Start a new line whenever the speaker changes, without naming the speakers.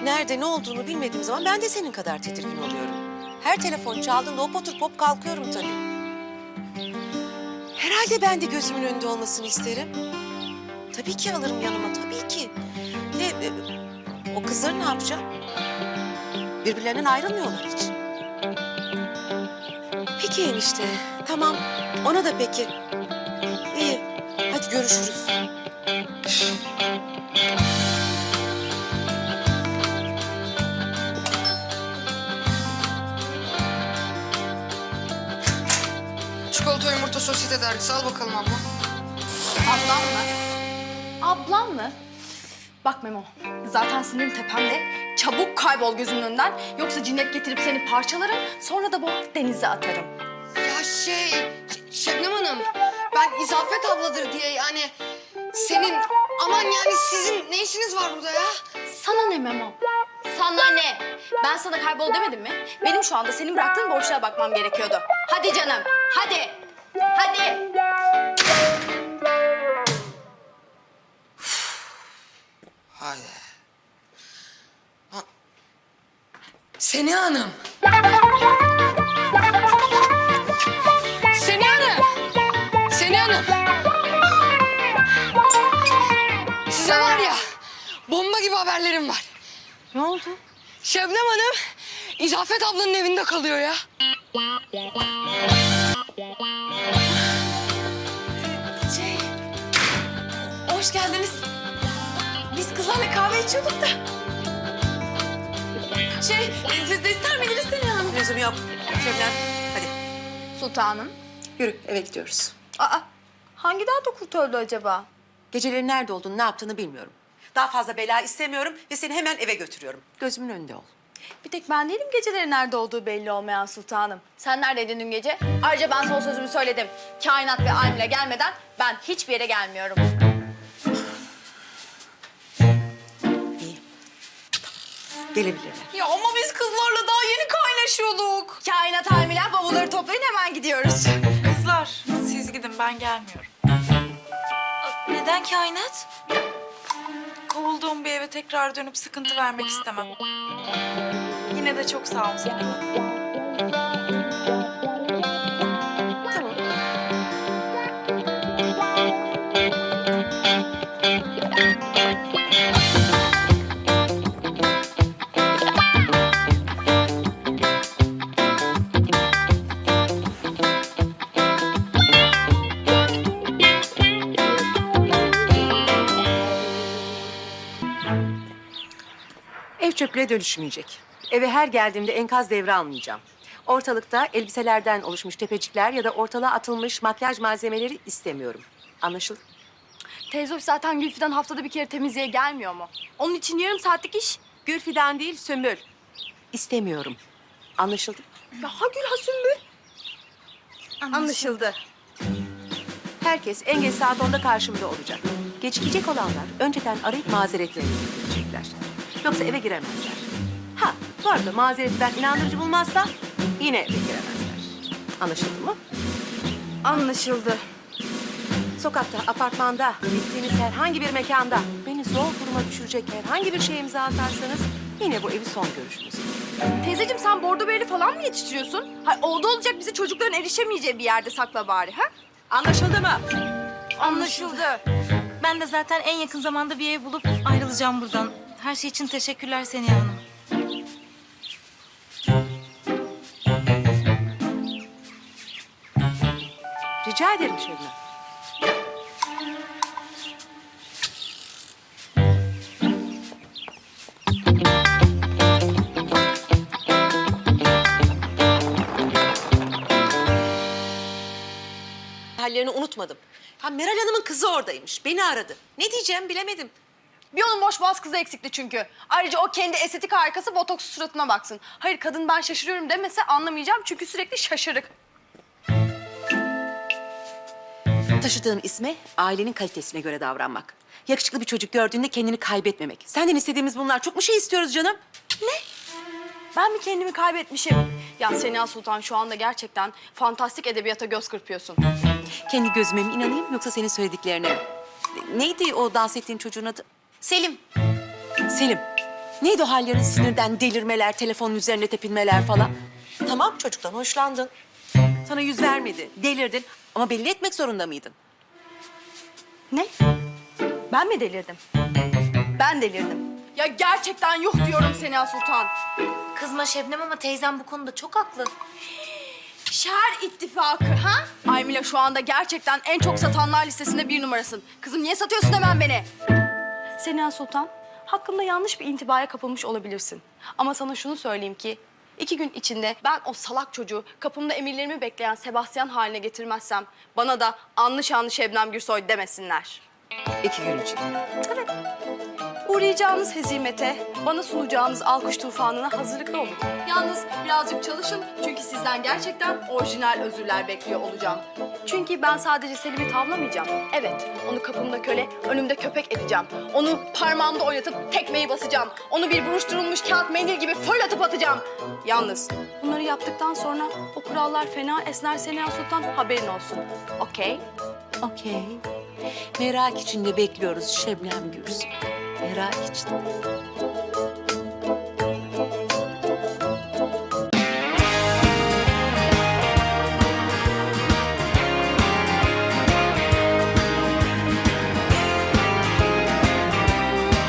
nerede, ne olduğunu bilmediğim zaman ben de senin kadar tedirgin oluyorum. Her telefon çaldığında hop oturup hop kalkıyorum tabii. Herhalde ben de gözümün önünde olmasını isterim. Tabii ki alırım yanıma, tabii ki. O kızları ne yapacağım? Birbirlerinden ayrılmıyorlar hiç. Peki enişte, tamam. Ona da peki. İyi, hadi görüşürüz.
Çikolata yumurta sosyete dergisi al bakalım abla.
Ablam mı? Ablam mı? Bak Memo, zaten sinirim tepemde. Çabuk kaybol gözümün önünden. Yoksa cinnet getirip seni parçalarım. Sonra da boğar denize atarım.
Ya Şebnem Hanım, ben İzafet abladır diye yani senin aman yani sizin ne işiniz var burada ya?
Sana ne Memo? Sana ne? Ben sana kaybol demedim mi? Benim şu anda senin bıraktığın boşluğa bakmam gerekiyordu. Hadi canım, hadi. Hadi.
Hadi. Seniha Hanım. Seniha Hanım. Seniha Hanım. Size var ya bomba gibi haberlerim var.
Ne oldu?
Şebnem Hanım İzafet ablanın evinde kalıyor ya.
Hoş geldiniz. Biz kızlarla kahve içiyorduk da. Siz de ister miydiniz Seniha Hanım?
Lüzum yok. Şebnem, hadi.
Sultanım.
Yürü, eve gidiyoruz.
Aa, hangi dağda kurt öldü acaba?
Geceleri nerede olduğunu, ne yaptığını bilmiyorum. Daha fazla bela istemiyorum ve seni hemen eve götürüyorum. Gözümün önünde ol.
Bir tek ben değilim geceleri nerede olduğu belli olmayan sultanım. Sen neredeydin dün gece? Ayrıca ben son sözümü söyledim. Kainat ve Almile gelmeden ben hiçbir yere gelmiyorum.
İyi. Gelebilirler.
Ya ama biz kızlarla daha yeni kaynaşıyorduk. Kainat, Almile, bavulları toplayın hemen gidiyoruz.
Kızlar, siz gidin, ben gelmiyorum. Neden kainat? Kovulduğum bir eve tekrar dönüp sıkıntı vermek istemem. Yine de çok sağ ol Seniha.
Tamam. Ev çöplüğe dönüşmeyecek. Eve her geldiğimde enkaz devre almayacağım. Ortalıkta elbiselerden oluşmuş tepecikler ya da ortalığa atılmış makyaj malzemeleri istemiyorum. Anlaşıldı?
Teyze hoş zaten Gülfidan haftada bir kere temizliğe gelmiyor mu? Onun için yarım saatlik iş.
Gülfidan değil, Sümbül. İstemiyorum. Anlaşıldı?
Ya ha Gül ha Sümbül. Anlaşıldı.
Herkes en geç saat 10'da karşımda olacak. Gecikecek olanlar önceden arayıp mazeretlerini bildirecekler. Yoksa eve giremezler. Ha, bu arada mazeretler inandırıcı bulmazsa yine eve giremezler. Anlaşıldı mı?
Anlaşıldı.
Sokakta, apartmanda, gittiğiniz herhangi bir mekanda beni zor duruma düşürecek herhangi bir şeye imza atarsanız yine bu evi son görüşünüz.
Teyzeciğim sen bordo bereli falan mı yetiştiriyorsun? Hayır oldu olacak bizi çocukların erişemeyeceği bir yerde sakla bari ha?
Anlaşıldı mı?
Anlaşıldı.
Ben de zaten en yakın zamanda bir ev bulup ayrılacağım buradan. Her şey için teşekkürler Seniha Hanım.
Rica ederim Şebnem. Hallerini unutmadım. Ha, Meral Hanım'ın kızı oradaymış. Beni aradı. Ne diyeceğim bilemedim.
Bir onun boş boğaz kızı eksikti çünkü. Ayrıca o kendi estetik harikası botoks suratına baksın. Hayır kadın ben şaşırıyorum demese anlamayacağım çünkü sürekli şaşırık.
Taşıdığın isme ailenin kalitesine göre davranmak. Yakışıklı bir çocuk gördüğünde kendini kaybetmemek. Senden istediğimiz bunlar. Çok mu şey istiyoruz canım?
Ben mi kendimi kaybetmişim? Ya Seniha Sultan şu anda gerçekten fantastik edebiyata göz kırpıyorsun.
Kendi gözüme mi inanayım yoksa senin söylediklerine mi? Neydi o dans ettiğin çocuğun adı?
Selim.
Selim. Neydi o hallerin, sinirden delirmeler, telefonun üzerine tepinmeler falan? Tamam, çocuktan hoşlandın. Sana yüz vermedi, delirdin ama belli etmek zorunda mıydın?
Ne? Ben mi delirdim? Ben delirdim. Ya gerçekten yuh diyorum Sena Sultan.
Kızma Şebnem ama teyzem bu konuda çok haklı.
Şer ittifakı ha? Aymila şu anda gerçekten en çok satanlar listesinde 1 numarasın. Kızım niye satıyorsun hemen beni? Sena Sultan, hakkında yanlış bir intibaya kapılmış olabilirsin. Ama sana şunu söyleyeyim ki 2 gün içinde ben o salak çocuğu kapımda emirlerimi bekleyen Sebastian haline getirmezsem bana da anlı şanlı Şebnem Gürsoy demesinler.
2 gün için.
Evet. Uğrayacağınız hezimete, bana sunacağınız alkış tufanına hazırlıklı olun. Yalnız birazcık çalışın çünkü sizden gerçekten orijinal özürler bekliyor olacağım. Çünkü ben sadece Selim'i tavlamayacağım. Evet, onu kapımda köle, önümde köpek edeceğim. Onu parmağımda oynatıp tekmeyi basacağım. Onu bir buruşturulmuş kağıt mendil gibi fırlatıp atacağım. Yalnız bunları yaptıktan sonra o kurallar fena esner Sena Sultan, haberin olsun. Okey?
Okey. Merak içinde bekliyoruz Şebnem Gürsoy. Merak içinde.